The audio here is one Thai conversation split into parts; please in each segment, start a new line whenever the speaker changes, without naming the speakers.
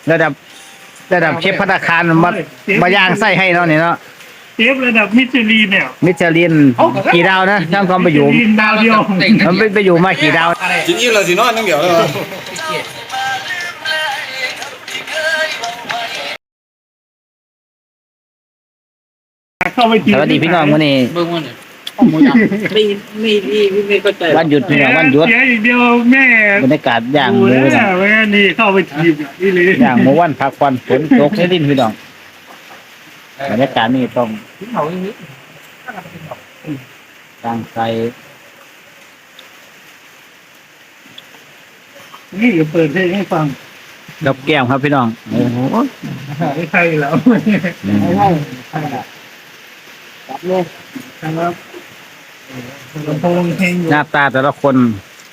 ระดับระดับเชฟภัตตาคารมาย่างไส้ให้เนาะนี่เนาะ
เชฟระดับมิชลินเนี่ย
มิชลินกี่ดาวนะช่างความไปอยู่
ดาวเดียว
มันไปอยู่มากี่ดาว
กินอิ่มแล้วสินอนนั่งเดี๋ยวเลย
เข้าไป
สวัสดีพี่น้องวันนี้
เบิ่งว่าเนี่ยไม่เข้าใจ
วันหยุดพี่น้องวันหยุด
เสียอีกเดียวแม่
บรรยากาศย่างหมู
นะแม่นี่เข้าไปทีมนี่เลย
ย่างหมูวันพักวันฝนตกในดินพี่น้องบรรยากาศนี่ต้องตั้งใจ
นี่เปิดเพลงให้ฟัง
กับแก้มครับพี่น้องโอ้โห
ไม่ใช่แล้วไม่ใช่ครับเลยครับลำโพงเพลง
หน้าตาแต่ละคน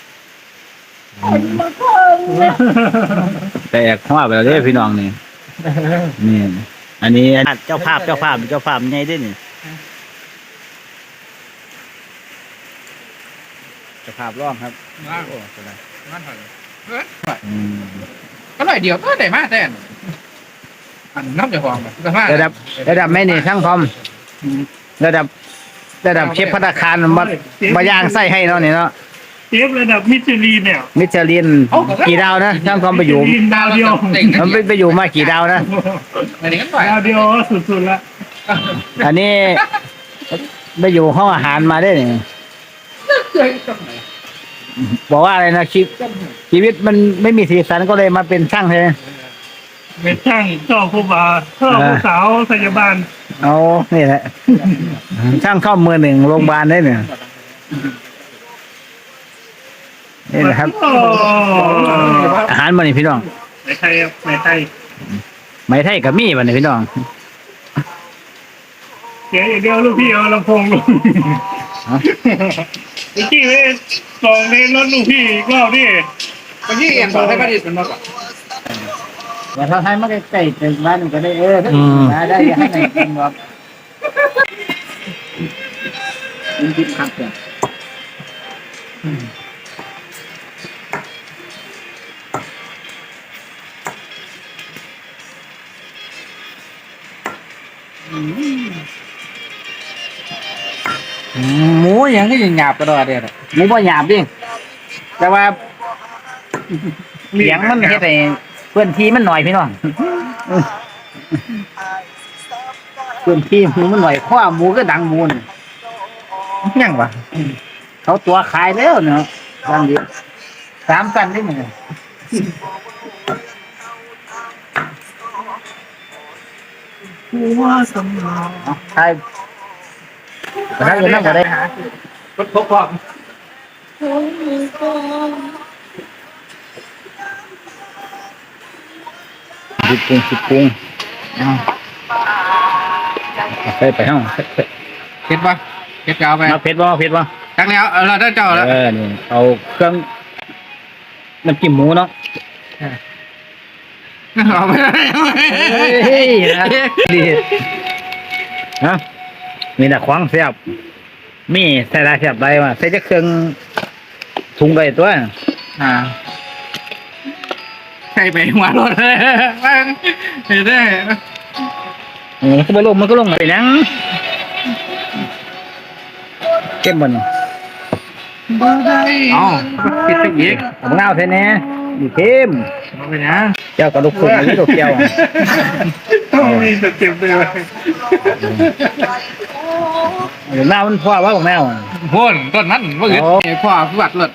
แตกหัวไปแล้วเด้พี่น้องนี่อันนี้เจ้าภาพไงด้วยนี่เจ้าภาพร้องครับโอ้สบาย
ก็หน่อยเดียวก็ได้มาแต่อันน้ำจะฟอง
ระดับไม่นี่ช่างคอมระดับเชฟภัตตาคารมาย่างไส้ให้เนาะนี่เนาะ
เชฟระดับมิชลินเนี่ย
มิชลินกี่ดาวนะช่างคอมไปอยู่
ดาวเดียว
มันไปอยู่มากี่ดาวนะ
ดาวเดียวสุดๆละ
อันนี้ไปอยู่ห้องอาหารมาได้เนี่ยบอกว่าอะไรนะชีวิตมันไม่มีสีสันก็เลยมาเป็นช่างใช่ไหม
เป็นช่างชอบผู้บ่าวชอบผู้สาวพยาบาล
เอานี่แหละช่างเข้ามือหนึ่งโรงพยาบาลได้เนี่ยนี่นะครับอาหารมันนี่พี่น้อง
ไม่ไทยครับไม่ไทย
กับมี่มันนี่พี่น้อง
เดี๋ยวลูกพี่เอาลำโพงลูกพี่ไปลองเล่นรถลูกพี่อีกรอบดิ
บางทีเอ็นบอกให้ประดิษฐ์เป็นมากกว่า
แต่ถ้าให้มันใกล้ๆถึงบ้านก็ได้ได้ให้ไหนกินครับกินครับเนี่ย
หมูยังก็ยังหยาบกระดอเดียว
หมูบ่หยาบดิแต่ว่าเสียงมันเฮ็ดให้เพื่อนที่มันหน่อยพี่น้องเพื่อนที่หมูมันหน่อยข้อหมูก็ดังหมูนยังวะเขาตัวขายแล้วเนาะดังเดียว3 กันได้มั้ยใช่ถ้าอยู่นั่งก็ได้
รถพกพร้อม
สิบปุงไปห้อง
เผ็ดปะเผ็ดเก่าไป
เผ็ดบ่
จักแล้วเราได้เจ้าแล้ว
นี่เอาเครื่องน้ำจิ้มหมูเนาะ
เอาไป
ดีฮะมีแต่ควางเสียบมีใส่ลายเสียบใดมาใส่จะเครื่องถุงใดตัว
ใส่ไปหัวรถเลยเห็นได้
มันก็ลงไปนั่งเก็บมัน
อ๋อคิดไปอีก
ผมเงาใช่ไหมอยู่เข้ม
ไปนะ
เจ้ากระดูกคนนี้ลูกเจ้า
ต้องมีสเต็ปด้วย
หน้ามันพ่อว่าของแมว
พ่นต้นนั้นว่าเห็นพ่อผู้บัดรถ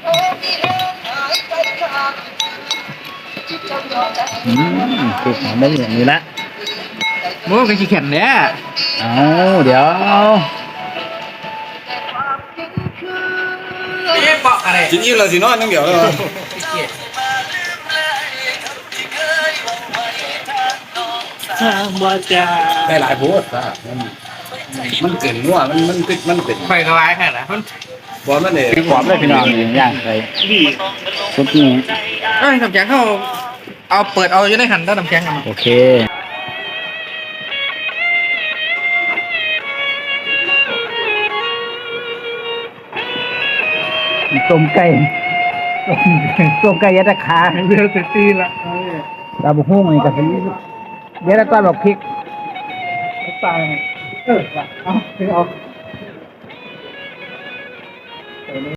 ติดหอมได้อย่างนี้ละ
โม่กันขี้แข็งเนี่ย
เดี๋ยว
กินอิ่มแล้วสินอนนั่งเดี๋ยวเลยได้หลายโพสต์มันเกินงัวมันเป็น
ไฟกระไรแค่ไหน
บอลมันเนี่ย
ความได้พี่น้องอย่างไรทุกนี้
น้ำแข็งเขาเอาเปิดเอาจะได้หันด้านน้ำแข็งกัน
โอเคต้มไก่ยัดขา
เดือดตีละ
ดาวบุ้งนี่ก็สิเดี๋ยวแล้วก็บอกพริก
ตาย
เอา